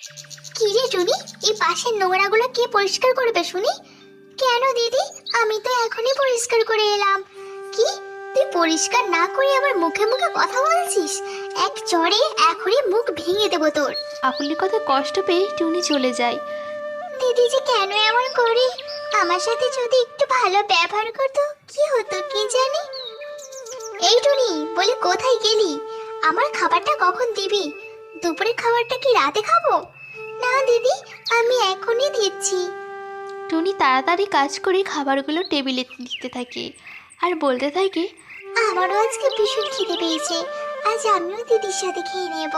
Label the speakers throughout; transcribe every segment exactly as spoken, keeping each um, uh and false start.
Speaker 1: কি রে টুনি, এই পাশের নোংরাগুলো কে পরিষ্কার করবে শুনি? কেন দিদি, আমি তো এখনই পরিষ্কার করে এলাম। কি, তুই পরিষ্কার না করে আমার মুখে মুখে কথা বলছিস? এক চড়ে এখনই মুখ ভেঙে দেবো তোর।
Speaker 2: কাকুলির কথা কষ্ট পেয়ে টুনি চলে যায়।
Speaker 1: দিদি যে কেন এমন করে, আমার সাথে যদি একটু ভালো ব্যবহার করতো কি হতো কি জানি। এই টুনি, বলে কোথায় গেলি? আমার খাবারটা কখন দিবি? দুপুরের খাবারটা কি রাতে খাবো? না দিদি, আমি এখনই দিচ্ছি।
Speaker 2: টুনি তাড়াতাড়ি কাজ করে খাবারগুলো টেবিলে দিতে থাকে আর বলতে থাকে,
Speaker 1: আমারও আজকে ভীষণ খিদে পেয়েছে, আজ আমিও দিদির সাথে খেয়ে নেব।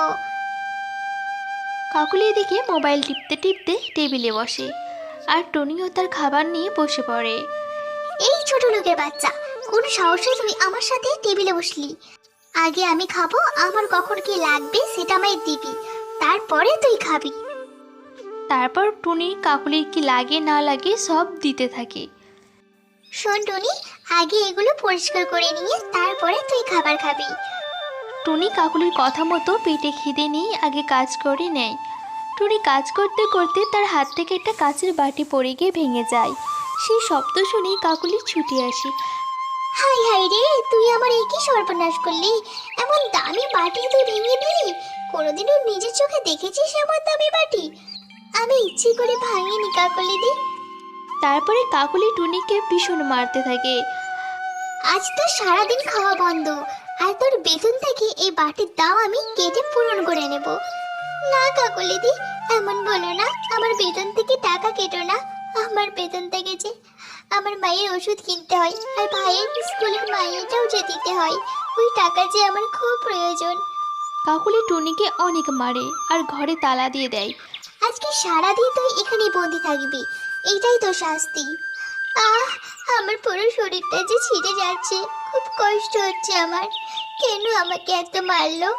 Speaker 2: কাকুলি এদিকে মোবাইল টিপতে টিপতে টেবিলে বসে আর টুনিও তার খাবার নিয়ে বসে পড়ে।
Speaker 1: এই ছোট লোকের বাচ্চা, কোন সাহসে তুই আমার সাথে টেবিলে বসলি? আগে আমি খাবো, আমার কখন কি লাগবে সেটা আমায় দিবি, তারপরে তুই খাবি।
Speaker 2: তারপর টুনি কাকুলির কি লাগে না লাগে সব দিতে থাকে।
Speaker 1: শোন টুনি, আগে এগুলো পরিষ্কার করে নিয়ে তারপরে তুই খাবার খাবি।
Speaker 2: টুনি কাকুলির কথা মতো পেটে খিদে নিয়ে আগে কাজ করে নেয়। টুনি কাজ করতে করতে তার হাত থেকে একটা কাচের বাটি পড়ে গিয়ে ভেঙে যায়। সেই শব্দ শুনেই কাকুলি ছুটে আসে।
Speaker 1: হাই হাই রে, তুই আমার এই কি সর্বনাশ করলি? এমন দামি বাটি তুই ভেঙে দিলি? কোনোদিনও নিজের চোখে দেখেছিস এমন দামি বাটি? আমি ইচ্ছে করে ভাঙিনি কাকলি দি।
Speaker 2: তারপরে কাকুলি টুনিকে ভীষণ মারতে থাকে।
Speaker 1: আজ তো সারাদিন খাওয়া বন্ধ, আর তোর বেতন থেকে এই বাটির দাম আমি কেটে পূরণ করে নেব। না কাকলি দি, এমন বলো না, আমার বেতন থেকে টাকা কেটো না। আমার বেতন থেকে যে আমার মায়ের ওষুধ কিনতে হয়, আর ভাইয়ের স্কুলের মাইনেটাও যে দিতে হয়, ওই টাকা যে আমার খুব প্রয়োজন।
Speaker 2: কাকুলি টুনিকে অনেক মারে আর ঘরে তালা দিয়ে দেয়।
Speaker 1: আজকে সারাদিন তুই এখানে বন্দি থাকবি, এইটাই তো শাস্তি। আহ, আমার পুরো শরীরটা যে ছিঁড়ে যাচ্ছে, খুব কষ্ট হচ্ছে আমার। কেন আমাকে এত মারলো?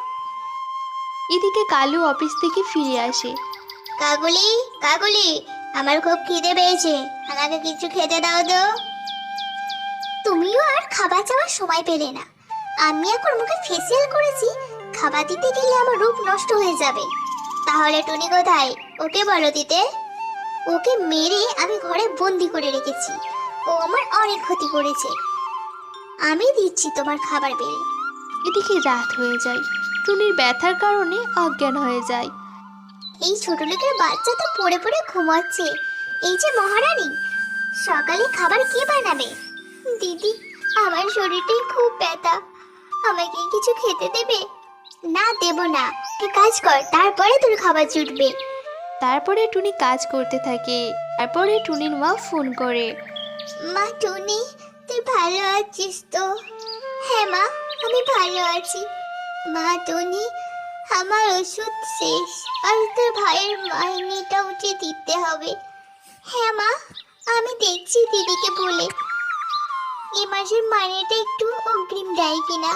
Speaker 2: এদিকে কালু অফিস থেকে ফিরে আসে।
Speaker 1: কাগুলি, কাগুলি, আমার খুব খিদে পেয়েছে, আমাকে কিছু খেতে দাও তো। তুমিও আর খাবার চাওয়ার সময় পেলে না। আমি এখন মুখে ফেসিয়াল করেছি, খাবার দিতে গেলে আমার রূপ নষ্ট হয়ে যাবে। তাহলে টুনি কোথায়? ওকে বলো দিতে। ওকে মেরে আমি ঘরে বন্দি করে রেখেছি, ও আমার অনেক ক্ষতি করেছে। আমি দিচ্ছি তোমার খাবার বেড়ে।
Speaker 2: এদিকে রাত হয়ে যায়। টুনির ব্যথার কারণে অজ্ঞান হয়ে যায়।
Speaker 1: এই ছোট লোকের বাচ্চা তো পড়ে পড়ে ঘুমাচ্ছে। এই যে মহারানী, সকালে খাবার কে বানাবে? দিদি, আমার শরীরটাই খুব ব্যথা, আমাকে কিছু খেতে দেবে? না দেব না, তুই কাজ কর, তারপরে তোর খাবার জুটবে।
Speaker 2: তারপরে টুনি কাজ করতে থাকে। তারপরে টুনির মা ফোন করে।
Speaker 1: মা টুনি, তুই ভালো আছিস তো? হ্যাঁ মা, আমি ভালো আছি। মা টুনি, আমার ওষুধ শেষ, আর তোর ভাইয়ের মাইনেটাও যে দিতে হবে। হ্যাঁ মা, আমি দেখছি দিদিকে বলে এ মাসের মাইনেটা একটু অগ্রিম দেয় কিনা।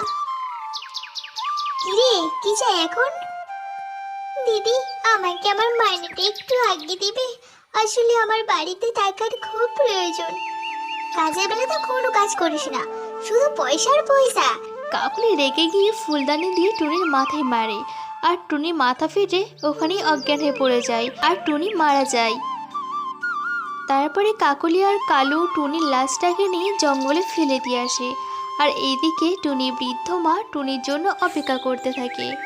Speaker 1: কিরে, কি চাই এখন? দিদি, আমাকে আমার মাইনেটা একটু আগে দিবে, আসলে আমার বাড়িতে টাকার খুব প্রয়োজন। কাজের বেলা তো কোনো কাজ করিস না, শুধু পয়সার পয়সা।
Speaker 2: কাকুলি রেগে গিয়ে ফুলদানি দিয়ে টুনির মাথায় মারে আর টুনি মাথা ফেটে ওখানেই অজ্ঞান হয়ে পড়ে যায় আর টুনি মারা যায়। তারপরে কাকুলি আর কালু টুনির লাশটাকে নিয়ে জঙ্গলে ফেলে দিয়ে আসে আর এইদিকে টুনি বৃদ্ধ মা টুনির জন্য অপেক্ষা করতে থাকে।